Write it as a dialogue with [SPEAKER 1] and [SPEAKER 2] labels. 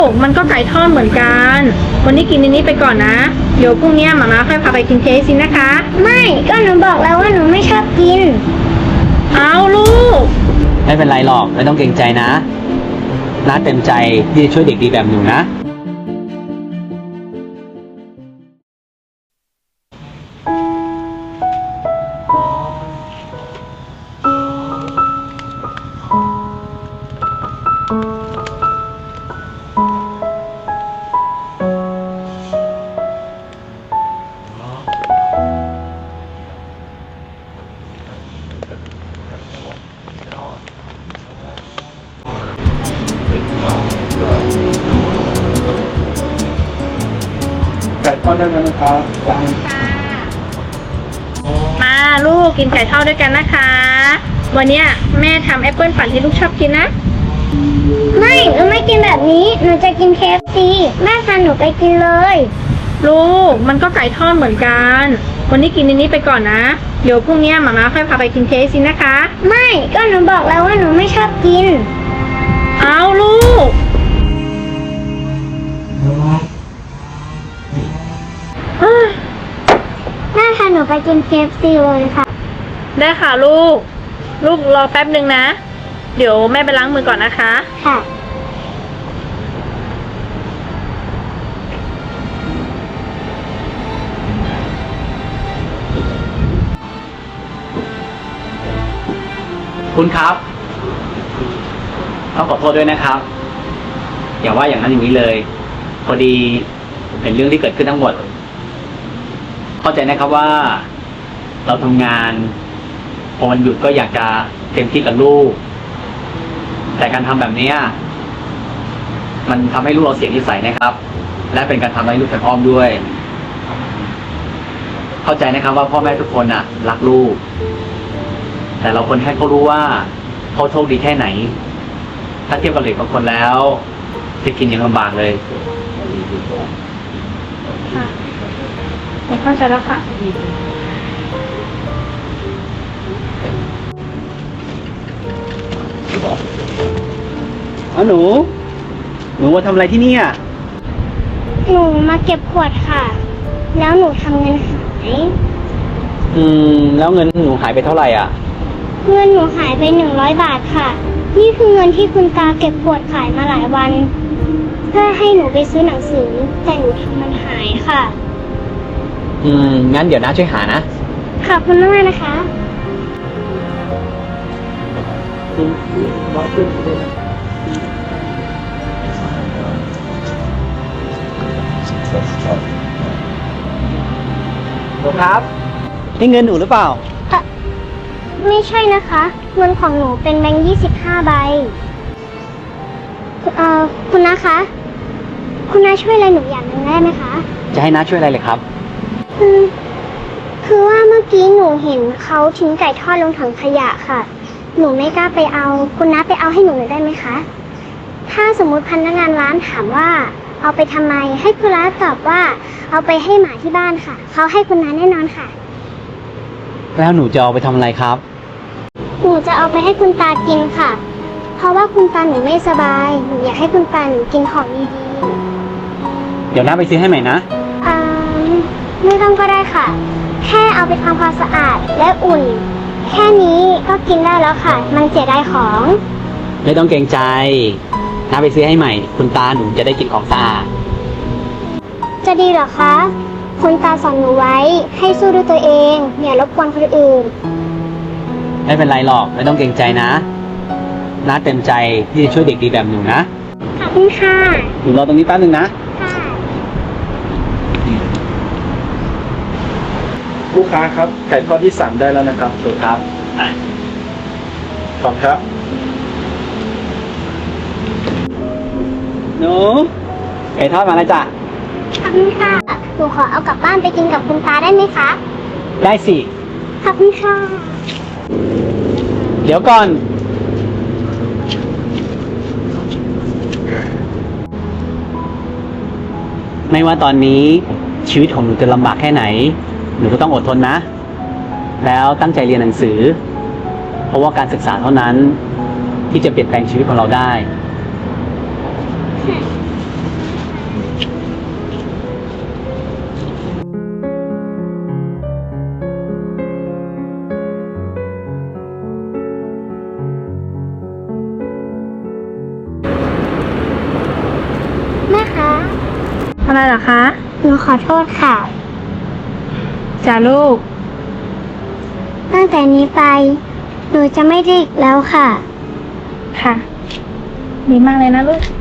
[SPEAKER 1] มันก็ไก่ทอดเหมือนกันวันนี้กินอันนี้ไปก่อนนะเดี๋ยวพรุ่งนี้หมาม่าค่อยพาไปกิน KFC นะคะ
[SPEAKER 2] ไม่ก็หนูบอกแล้วว่าหนูไม่ชอบกิน
[SPEAKER 1] เอาลูก
[SPEAKER 3] ไม่เป็นไรหรอกไม่ต้องเกรงใจนะน้าเต็มใจที่จะช่วยเด็กดีแบบหนูนะ
[SPEAKER 4] ไก่ทอดได้ไหมนะครับ
[SPEAKER 1] มาลูกกินไก่ทอดด้วยกันนะคะวันนี้แม่ทำแอปเปิลปั่นที่ลูกชอบกินนะ
[SPEAKER 2] ไม่หนูไม่กินแบบนี้หนูจะกิน KFC แม่พาหนูไปกินเลย
[SPEAKER 1] ลูกมันก็ไก่ทอดเหมือนกันวันนี้กินอันนี้ไปก่อนนะเดี๋ยวพรุ่งนี้หมาม่าค่อยพาไปกิน KFC นะคะ
[SPEAKER 2] ไม่ก็หนูบอกแล้วว่าหนูไม่ชอบกิน
[SPEAKER 1] เอาลูก
[SPEAKER 2] แม่พาหนูไปกิน KFC เลยค่ะ
[SPEAKER 1] ได้ค่ะลูกรอแป๊บหนึ่งนะเดี๋ยวแม่ไปล้างมือก่อนนะคะ
[SPEAKER 2] ค่ะ
[SPEAKER 3] คุณครับต้องขอโทษด้วยนะครับอย่าว่าอย่างนั้นอย่างนี้เลยพอดีเป็นเรื่องที่เกิดขึ้นทั้งหมดเข้าใจนะครับว่าเราทำงานพอวันหยุดก็อยากจะเต็มที่กับลูกแต่การทำแบบนี้มันทำให้ลูกเราเสียนิสัยนะครับ และเป็นการทำให้ลูกทางอ้อมด้วยเข้าใจนะครับว่าพ่อแม่ทุกคนรักลูกแต่เราควรให้เขารู้ว่าเขาโชคดีแค่ไหนถ้าเทียบกับเด็กบางคนแล้วจะกินยังลำบากเลย
[SPEAKER 1] ค่ะผมเข้าใจแล้วค่ะ
[SPEAKER 3] หนูมาทำอะไรที่นี่
[SPEAKER 2] หนูมาเก็บขวดค่ะแล้วหนูทำเงินหาย
[SPEAKER 3] แล้วเงินหนูหายไปเท่าไหร่
[SPEAKER 2] เงินหนูหายไป100 บาทค่ะนี่คือเงินที่คุณตาเก็บขวดขายมาหลายวันเพื่อให้หนูไปซื้อหนังสือแต่หนูทำมันหายค่ะ
[SPEAKER 3] งั้นเดี๋ยวน้าช่วยหานะ
[SPEAKER 2] ขอบคุณมากนะคะ
[SPEAKER 3] ครับนี่เงินหนูหรือเปล่า
[SPEAKER 2] ไม่ใช่นะคะเงินของหนูเป็นแบงค์25 ใบคุณน้าคะคุณน้าช่วยอะไรหนูอย่างหนึ่งได้ไหมคะ
[SPEAKER 3] จะให้น้าช่วยอะไรเลยครับ
[SPEAKER 2] คือว่าเมื่อกี้หนูเห็นเขาทิ้งไก่ทอดลงถังขยะค่ะหนูไม่กล้าไปเอาคุณน้าไปเอาให้หนูหน่อยได้ไหมคะถ้าสมมุติพนักงานร้านถามว่าเอาไปทำไมให้คุณน้าตอบว่าเอาไปให้หมาที่บ้านค่ะเขาให้คุณน้าแน่นอนค่ะ
[SPEAKER 3] แล้วหนูจะเอาไปทำอะไรครับ
[SPEAKER 2] หนูจะเอาไปให้คุณตากินค่ะเพราะว่าคุณตาหนูไม่สบายหนูอยากให้คุณตาหนูกินของดี
[SPEAKER 3] ๆเดี๋ยวน้าไปซื้อให้ใหม่นะ
[SPEAKER 2] ไม่ต้องก็ได้ค่ะแค่เอาไปทำความสะอาดและอุ่นแค่นี้ก็กินได้แล้วค่ะมันเสียดายของ
[SPEAKER 3] ไม่ต้องเกรงใจน้าไปซื้อให้ใหม่คุณตาหนูจะได้กินของสะอาด
[SPEAKER 2] จะดีเหรอคะคุณตาสอนหนูไว้ให้สู้ด้วยตัวเองอย่ารบกวนคนอื่น
[SPEAKER 3] ไม่เป็นไรหรอกไม่ต้องเกรงใจนะน้าเต็มใจที่จะช่วยเด็กดีแบบหนูนะ
[SPEAKER 2] ขอบคุณค่ะ
[SPEAKER 3] หนูรอตรงนี้แป๊บนึงนะ
[SPEAKER 4] ลูกค้าครับไก่ทอดที่สั่งได้แล้วนะครับ
[SPEAKER 3] ถูกครับ
[SPEAKER 4] ขอบครับ
[SPEAKER 3] หนูไก่ทอดมาแล้วจ้ะ
[SPEAKER 2] ขอบคุณค่ะหนูขอเอากลับบ้านไปกินกับคุณตาได้ไหมคะ
[SPEAKER 3] ได้สิ
[SPEAKER 2] ขอบคุณค่ะ
[SPEAKER 3] เดี๋ยวก่อนไม่ว่าตอนนี้ชีวิตของหนูจะลำบากแค่ไหนหนูก็ต้องอดทนนะแล้วตั้งใจเรียนหนังสือเพราะว่าการศึกษาเท่านั้นที่จะเปลี่ยนแปลงชีวิตของเราได้
[SPEAKER 1] อะไรเหรอคะ
[SPEAKER 2] หนูขอโทษค่ะ
[SPEAKER 1] จ้าลูก
[SPEAKER 2] ตั้งแต่นี้ไป หนูจะไม่ดื้ออีกแล้วค่ะ
[SPEAKER 1] ค่ะ ดีมากเลยนะลูก